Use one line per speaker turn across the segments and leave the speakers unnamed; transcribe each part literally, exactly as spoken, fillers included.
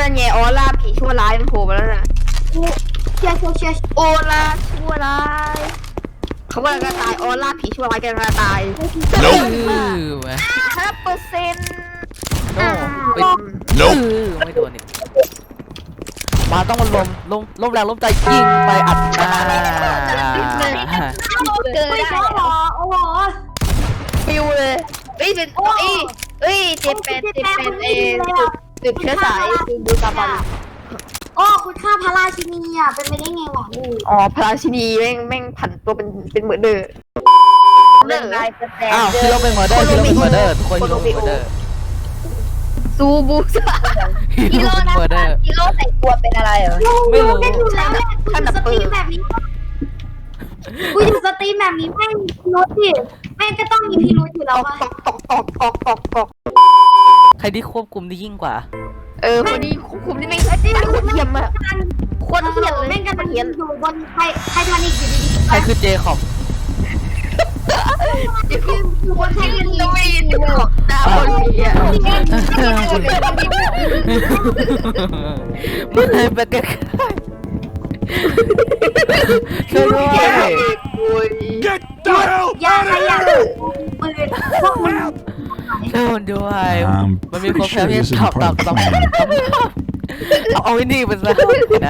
นั่นไงออร่าผีชั่วร้ายมันโผล่มาแล้วนะ
เชียร์เชียร์เชียร์
โอล่าชั่วร้ายเขากำลังจะตายออร่าผีชั่วร้ายกำลังจะตาย
เอ
Nope.
อแหม
ห้าเปอร์เซ็นต์
โอ้ไป
Nope.
เออไม่โดนอีกมาต้องมาลมลมลมแรงลมใจยิงไปอัดหน้า
เจอ
ไม่
ได้
ใช่หรอโอ้โห
ฟิวเลยเอ้ยเป็นเอ้ยเอ้ยเจแปนเจแปนเอสืบเชื้อสายดูตาบัน
โอ้คุณค่าพระราชินีอ่ะเป็นไปได้ไงวะ
อ๋อพระราชินีแม่งแม่งผันตัวเป็นเป็นเหมือนเดิมเรื่องนายสแตน
อ้าวคิโลเป็นเมอร์เดอร์คิโลเป็นเมอร์เดอร์ทุกคนคิโลเป็นเมอร์เดอร์
ซูบูซา
คิโลเป็นเมอร์เดอร์
กิโลแต่งตัวเป็นอะไรเหรอ
ไม่รู้
เป็นอยู่แล้วแหละกูอยู่สตรีมแบบนี้กูอยู่สตรีมแบบนี้แม่งมีพิรุธดิแม่งก็ต้องมีพิรุธอยู่
ต
แล้ว
อก
วะ
ตอกตอกตอกตอกตอกตอก
ใครที่ควบคุมได้ยิ่งกว่า
เออคนนี้ควบคุมนี่ไม่ใช่ไม่คนเทียมอะคนเทียมเลย
แม่งกัน
เทียม
อยู่บนไทไททานิกอยู่ดี
ใครคือเจคอบ
ๆอยู่บนไททานิก
ต้องไม่ยินของตาคนนี้อะ
ไม่เคยไปใกล้ๆช่วยด้วย
โอ้ย
Get the hell
อย่า
out
ใคร
of
อยาก
here!
ปืนพวกมึง
ช่วยด้วย
I'm
มันมีค
pretty
นแพ้
sure
ที่
this
ตอบ
isn't
ตอบ
part of
ตอบ
the plan.
เอาเอาไอ้นี่ไปซะนะ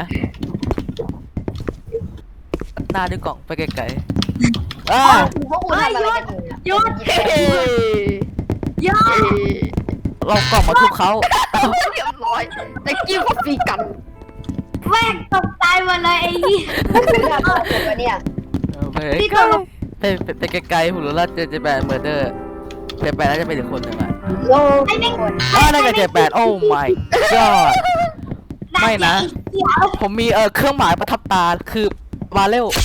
หน้าด้วยกล่องไปไกลๆอ้า
พวกคุณทำอะไรกันอยู่
หยุด
เฮ้ย
หยุด
เรากล่องมาทุบเขา
เรียบร้อยแต่กิ้วก็ฟีกัน
แม่งตกใจหมดเลยไอ้เหี้ย
เนี่ย
ไปไปไปไกลๆหุ่นละเจเจแปดเมอร์เดอร์เจแปดน่าจะเป็นอีกคนหนึ่งอ่ะ
โล
ไอ้แม่ง
อ๋อน่าจะเจแปดโอ้ my god ไม่นะ
เดี๋ยว
ผมมีเออเครื่องหมายประทับตาคือมาเร็ว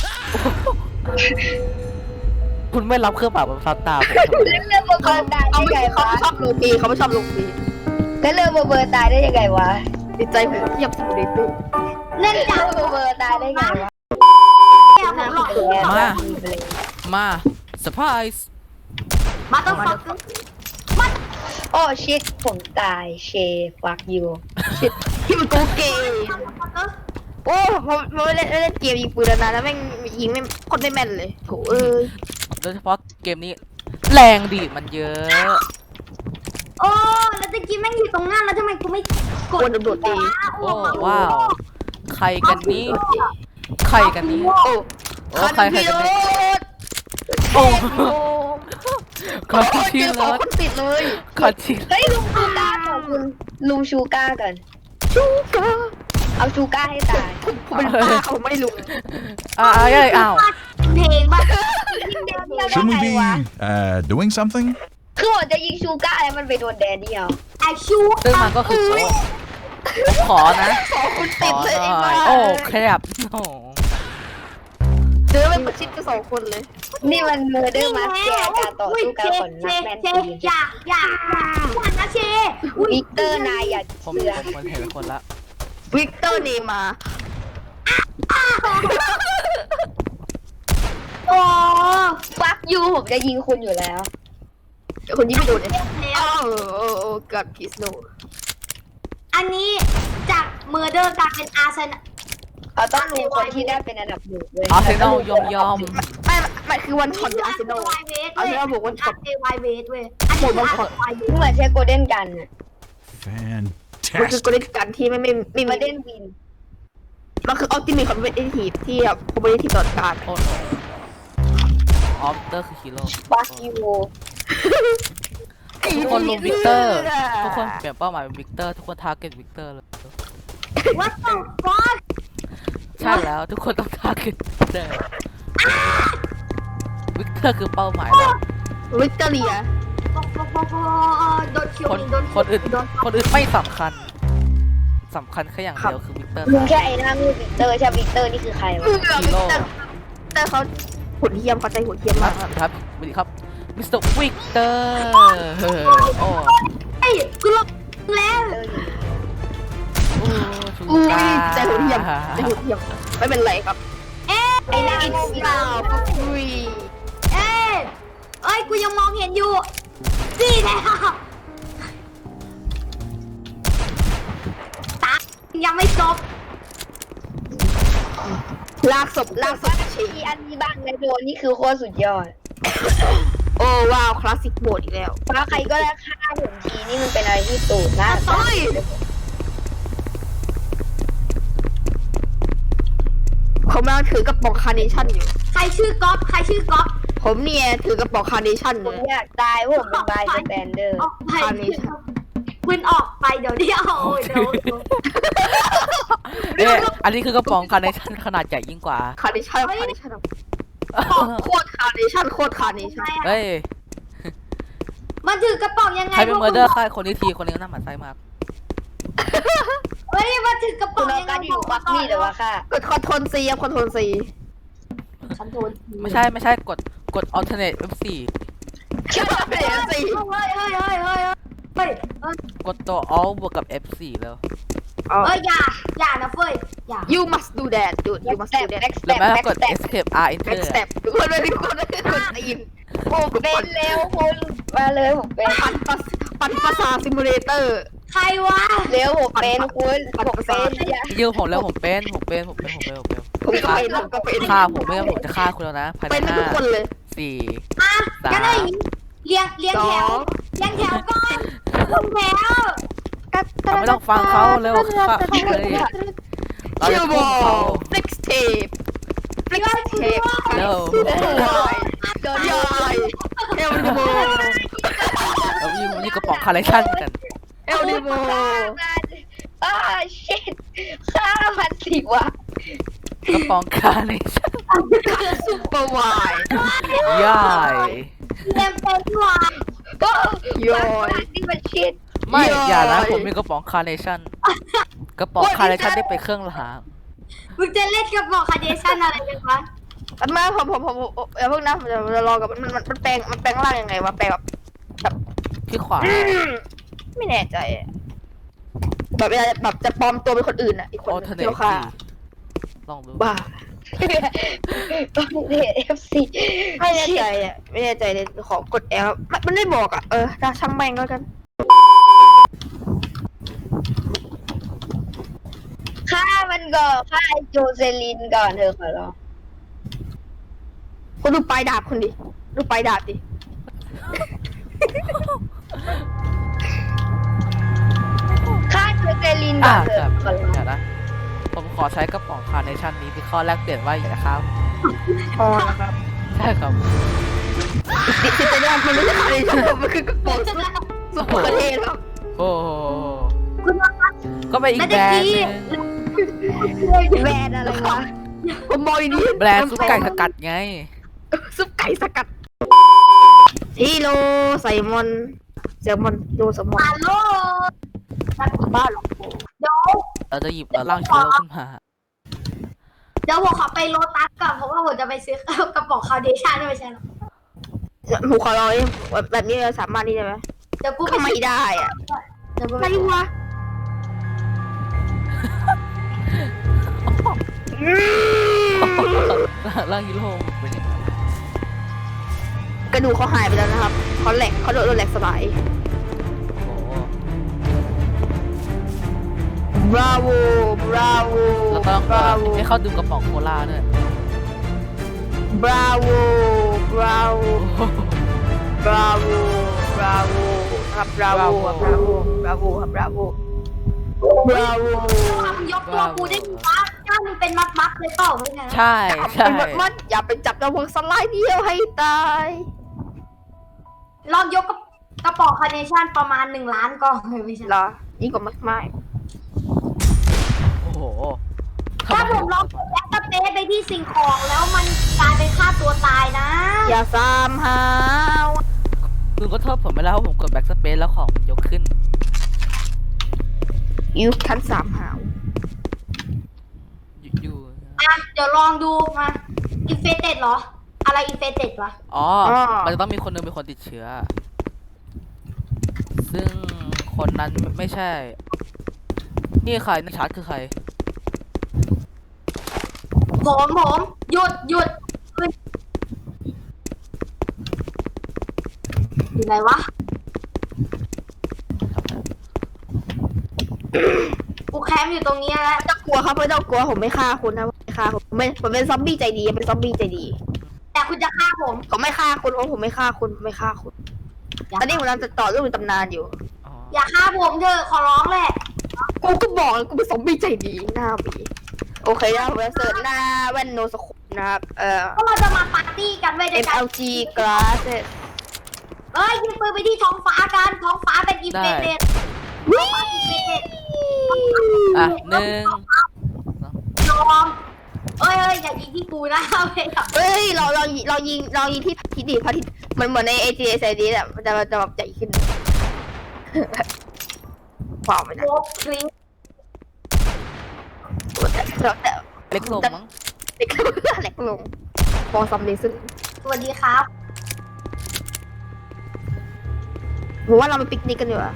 คุณไม่รับเครื่องหมายประทับตาผมทำไม
เรื่องเบอร์เบอร์ตายได้ไงวะเขาชอบลูปีเขาไม่ชอบลูปีแล้วเรื่องเบอร์เบอร์ตายได้ยังไงวะติดใจหัวเทียบสุดเลยตู้
เล่นจัง
เบอร์เบอร์ตายได้ไงวะ
แก้วผมหลอก
มามาเซอร์ไพรส์
มาต้องฟัง
โอ้ชิดผมตายเชฟักยูชิดที่มันตัวเกย์โอ้ผมผมเล่นเล่นเกมยิงปืนนานแล้วแม่งยิงไม่คนไม่แม่นเลยโถเอ้ย
โดยเฉพาะเกมนี้แรงดีมันเยอะ
โอ้แล้วตะกี้แม่งอยู่ตรงหน้าแล้วทำไมกูไม่ก
ค
ด
นโดดตี
โอ้ว้าวใครกันนี้ใครกันนี้
โอ้
โอ้ใครใครกันนี้
โอ้
คอนที่
เจอส
ร
อง
ถ
คนติดเลย
คอนที่
เฮ้ยลุงชูก้าของคุณลุงชูก้ากันชูก้าเอาชูก้าให้ตายผมเป็นป้าผมไม่รู้
อ้าวอ้าวอ้าว
เพลงบ้า
Shouldn't we be uh, doing something?
คือผมจะยิงชูก้าแล้วมันไปโดนแดนเดียว
ไอชู
ซึ่งมันก็คือโอ้ผมขอนะ
สองคน
ข
ติ
อ
ด
ห
เลยไอ้
น่
บ้า
อยโอ้แคบโอ้
เจอเป็นประชิดกันสองคนเลย นี่มันเมอร์เดอร์มาสแกร์การต่อสู้กันของนักแมน
เช
ทีม
อย่าอย่าอย่านะเช
วิกเตอร์นายอย่า
ผม
เสือ
คนเห็นเป็นคนละ
วิกเตอร์เนมา
โอ้
ฟักยูผมจะยิงคุณอยู่แล้วคนยิงไม่โดนเลยอ้าวโอ้โอ้กับพิสโน
อันนี้จากเมอร์เดอร์กลายเป็นอาร์เซน
เขาต้องดูคนที่ได้เป็นอันดับหนึ่งเลย
อาร์เซนอลยอมยอม
ไม่ไม่คือวันช็อตอาร์เซนอล
ไวเวส
อาร์เซนอลบอกวันช็อต
เอไวเวสเว้ยอันนี้วันช็อตไวเวส
เหมือนใช้โกลเด้นกันอะมันคือ
Fantastic.
โกลเด้นกันที่ไม่ไม่ไม่มีโกลเด้นวินมันคือออปติมิคคอมเวทีฟที่แบบคอมเวทีฟตลอดการ
โอ้โหออฟเตอร์คือฮีโร่
ฟักยู
ทุกคนลงวิกเตอร์ ทุกคนเปลี่ยนเป้าหมายเป็นวิกเตอร์ ทุกคนทาร์เก็ตวิกเตอร์เลย
วัดต่อฟัก
ใช่แล้วทุกคนต้องทาร์เก็ตวิกเตอร์ วิกเตอร์คือเป้าหมายหลัก
วิกตอเรีย
โดนคิว
คน
โดน
คนอื่นคนอื่นไม่สำคัญสำคัญแค่อย่างเดียวคือวิกเตอร์
มึงแค่ไอ้หน้ามือวิกเตอร์ใช่วิกเตอร์นี่คือใครวะ
ฮีโร่
แต่เขาหุ่นเทียมเขาใจหุ่นเทียม
ครั
มา
บ
ก
ครับสวัสดีครับมิสเตอร์วิกเตอร์โอ้
ไอ้กูลงแล้ว
โอ้ชู
อุ้ย
กา
ใจหุ่นเทียมใจหุ่นเทียมไม่เป็นไรครับ
เอ๊ะ
ไอ้หน้ามือวิกเตอร์อุ้ย
เอ๊ะเอ้ยกูยังมองเห็นอยู่สี่แล้วตายังไม่จบ
ลากศพลากศพชี
มีอันนี้บ้างในโดนนี่คือโคตรสุดยอด
โอ้ว้าวคลาสสิกโหมดอีกแล้ว
เพราะใครก็ได้ฆ่าผมทีนี่มันเป็นอะไรที่ตูดน่า
เฮ้ยผมกำลังถือกระป๋องคาร์เนชั่นอยู่
ใครชื่อก๊อฟใครชื่อก๊อฟ
ผมเนี่ยถือกระป๋องคาร์เนชั่น
ผ
เล
ม
ย
อยากตายเพราะผมเป็นบายสแตนเดอร์
ออกไป
คาร์เนชั่น
คุณออกไปเดี๋ยวเดียวเดี๋ยวเดี๋ยว
เอ๊ะอันนี้คือกระป๋องคาร์เนชั่นขนาดใหญ่ยิ่งกว่า
คาร์เนชั่นคาร์เนชั่นโคตรคาร์เนชั่นโคตรคาร์เนชั่น
เฮ้ย
มันถือกระป๋องยังไง
ใครเป็นเมอร์เดอร์ฆ่าคนนี้ทีคนนี้น่าหมั่นไส้มาก
เฮ้ยมันถือกระป๋
คุ
อง
ณเอา
ยังไง
การอยู่ควักมีดหรือว่าค่ะ
กดคอนโทรลซีครับคอนโทรลซี
ฉันโดน
ไม่ใช่ไม่ใช่กดกด alternate เอฟ โฟร์
แค่เปลี่ยนสี
เฮ้ยเฮ้ยเฮ้ยเฮ้ยเฮ้ยเฮ้ย
กดตัว alt บวกกับ เอฟ โฟร์ แล้ว
เอ้ยอย่าอย่านะเฟ้ยอย่า
ยู must do that dude you must do that
แบ็กส
ห
เต็
รือ
ป
ไม่
แบ็
ก็
ก
กด
สเต็ป
escape r enter
next step ทุกคนเลยทุกคนเลยทุกคนตีน
ผมเป็นเร็วคุณมาเลยผมเป็น
ปั่นปัสปั่นภาษาซิมูเลเตอร์
ใครวะ
เร็วผมเป็นคุณผมเป็นอย่า
ยืมผมแล้วผมเป็นผมเป็นผมเป็นผมเป็นผมเป็น
ผมก็เป็นผมก็เป็น
ฆ่าผมไม่งั้นผมจะฆ่าคุณแล้วนะภายใน
เป็น
ห้า
ทุกคนเลย
สี่
อ่ะ
สา
งั้น
ม
เอาอย่างนี้เรียงเรียง
สอ
แถว
ง
เรียงแถวก่อนลงแถว
เราไม่ต้องฟังเขาเร็วฆ่าเขาเลยเรา
คิ
จะ
วบ
พุ่
อง
เขา
ล flex tape flex tape
เร็ว
โดนยอยเอลดิโม
เรายิงนี่กระป๋องคาร์เนชั่นกัน
เอลดิโม
อ่าชิตฆ่ามันสิวะ
กระป๋องคาร์เนชั่น
ซุปเปอร์ไวน์
ย่าย
เรียงเป็นวะ
โอ้
ยอย
นี่มันชิต
ไม่
ย่อย
อย่านะผมมีกระป๋องคาร์เนชั่นกระป๋องคาร์เนชั่นได้ไปเครื่องราง
มึงจะเล่นกระป๋องคาร์เดชั่นอะไรกันวะ
แม่ผมผมผมผมอย่าเพิ่งนะผมจะจะรอกับมันมันมันแปลงมันแปลงร่างยังไงวะแปลงแบบแบบ
ที่ขวา
ไม่แน่ใจอะแบบเวลาแบบจะปลอมตัวเป็นคนอื่นอ่ะอีกคน
ออ
นึ
เท
ง
เน
ที่
ต
เราฆ่า
ลองดู
บ้า
ต้องเดทเอฟซี
ไม่แน่ใจอ่ะไม่แน่ใจเลยขอกดแอลมันไม่บอกอ่ะเออถ้าช่างแม่งก็แล้วกัน
ฆ่ามันก่อนฆ่าไอโจเซลินก่อนเธอขอร้อง
คุณดูปลายดาบคุณดิดูปลายดาบดิ
ฆ่าโจเซลินก่
อ่า
อนเธ
ค
อ
รับ
ขอร้อง
เดี๋ยวนะผมขอใช้กระป๋องคาร์เนชั่นนี้ที่ข้อแรกเปลี่ยนว่าอย่าฆ่าผม
อ๋อนะครับ
ใช่ครับ
ดิจิตอลมันไม่ใช่คาร์เนชั่นมันคือกระป๋องซุปซุปเปอร์เทนครับ
โอ้โห
คุณว่า
ก็ไปอีกแบรนด์หนึง
แบรนด์อะไรวะผมมองดี
แบรนด์ซุปไก่สกัดไง
ซุปไก่สกัดฮิโรไซมอนแซลมอนโยแซลมอน
ฮัลโหล
บ้าหรอก
เดี๋ยว
เราจะหยิบเอาร่างเชื้อโรคขึ้นมา
เดี๋ยวผมขอไปโลตัสก่อนเพราะว่าผมจะไปซื้อกระป๋องคาร์เดชั่นไม่ใช่หรอ
หนูขอร้อยแบบนี้สามารถนี่ได้ไหม
เดี๋ยวกู
ก็ไม่ได้อ่ะ
เดี๋ยวกู
อะไรวะ
ร่างฮีโร่เป็นยังไง
กระดูกเขาหายไปแล้วนะครับเขาแหลกเขาโดนแหลกสลาย
โอ้โห
บราโวบราโว
แล้วก็ต้อง
บราโว
ให้เขาดื่มกระป๋องโคลาด้วย
บราโวบราโว
โอ้โห
บราโวบราโวครับบราโวบราโวบราโวครับบราโวบราโว
มึงยกตัวกูได้ไหมวะเจ้ามึงเป็นมัดมัดๆเลยเปล่าไม่ใช่
ใช่ใช่
เป็นมัดมัดอย่าไปจับระวังสไลด์เดียวให้ตาย
ลองยกกระป๋องคาร์เนชั่นประมาณหนึ่งล้านกล่องเลยไม่ใช่
เหรอยิ่งกว่ามากมาย
โอ้โห
ถ้าผมลองแบ็คสเปซไปที่สิ่งของแล้วมันกลายเป็นฆ่าตัวตายนะ
อย่าซ้ำหาว
คุณก็โทษผมไปแล้วว่าผมกดแบ็กสเปซแล้วของมันยกขึ้น
ยุคชั้นสามหาว
อยู่อยู่
อ่ะเดี๋ยวลองดูมาอินเฟเต็ดเหรอ อะไรอินเฟเต็ดวะ
อ๋อ มันจะต้องมีคนหนึงเป็นคนติดเชื้อ ซึ่งคนนั้นไม่ไม่ใช่ นี่ใครนักชาร์จคือใคร
ผมผมหยุดหยุดอยู่ไหนวะกูแคมป์อยู่ตรงนี้แล้ว
ไม่ต้องกลัวครับไม่ต้องกลัวผมไม่ฆ่าคุณนะผมไม่ฆ่าคุณผมไม่ผมเป็นซอมบี้ใจดีเป็นซอมบี้ใจดี
แต่คุณจะฆ่าผม
ผมไม่ฆ่าคุณผมผมไม่ฆ่าคุณผมไม่ฆ่าคุณตอนนี้ผมกำลังจะต่อเรื่องในตำนานอยู่
อ๋อ
อย่าฆ่าผมเถอะขอร้องแหละ
กูก็บอกแล้วกูเป็นซอมบี้ใจดีหน้าบีโอเคนะผมจะเสิร์ชหน้าแว่นโนสโคปนะครับเอ่อ
ก็เราจะมาปาร์ตี้กันไว้ด้วยกัน
เอ็ม แอล จี glasses
เอ้ยยิงปืนไปที่ท้องฟ้ากันท้องฟ้าเป็นอินเฟเดต
วิ่ง
อ่ะหนึ่ง
ยอมเอ้ยเอ้ยอย่ายิงที่กูนะเอาไปกับ
เฮ้ยเราเราเรายิงเรายิงที่พระอาทิตย์ดิพระอาทิตย์มันเหมือนในเอจีเอสไอดีแหละมันจะมันจะแบบใหญ่ขึ้นว้าวไม่ได้
โลบคลิง
แต่แต่
เล็กลงมั้ง
เล็กลงเล็กลงฟองซัมเดซึน
สวัสดีครับ
ผมว่าเราไปปิกนิกกันดีกว่า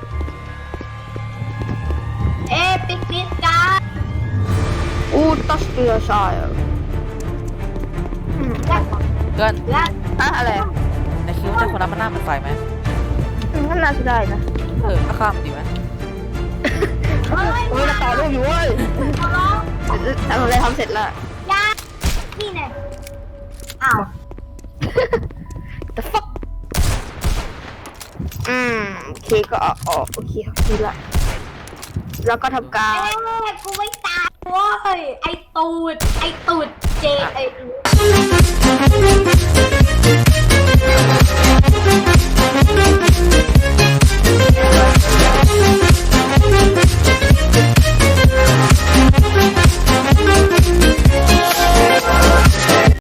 เอ้ยปิกนิกกัน
อูตัสเตียชายอืม
และ
เกิน
และ
อะอะไร
ในคิดว่าเจ้าคนนั้นมันหน้าเหมือนไฟไหม
อืมนั่นน่าจะได้นะ
เออก็ข้ามดีไหม
เอ้ย
โอ้ยเราต่อรูปอยู่เว้ย
ขอร้อง
ทำอะไรทำเสร็จแล้ว
อยานี่แน่อ้าว
the fuck อืมโอเคก็ออกออกโอเคโอเคละแล้วก็ทำการ
เอ้ยกูไม่ตายเว้ยไอตูดไอตูดเจไอ